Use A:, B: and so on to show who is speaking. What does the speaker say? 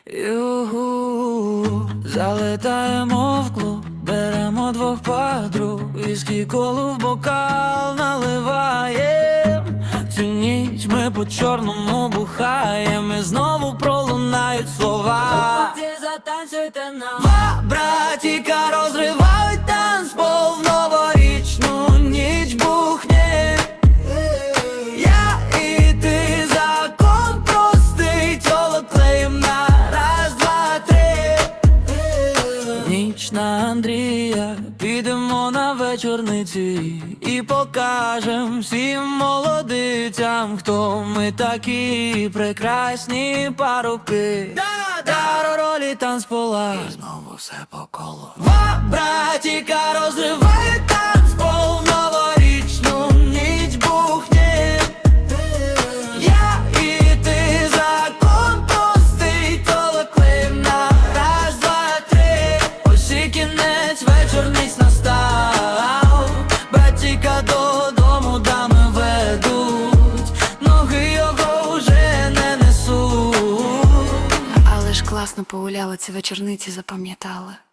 A: Залетаємо в клуб, беремо двох подруг, віскі колу в бокал наливаєм. Цю ніч ми по чорному бухаєм, і знову пролунають слова. Затанцюйте нам. Два братіка розривають танцпол в новорічну ніч бухне. Я і ти, закон простий, тіло клеїм на раз, два, три. Ніч на Андрія, підемо на вечорниці і покажем всім молодицям, хто ми такі прекрасні парубки. Та ролі танцпола, і знову все по колу. Два братіка розривають танцпол в новорічну ніч бухне. Я і ти, закон простий, толоклим на раз, два, три. Ось і кінець, вечорниць настав. Братіка додому дами ведуть, ноги його вже не несуть.
B: Але ж класно погуляли, ці вечорниці запам'ятали.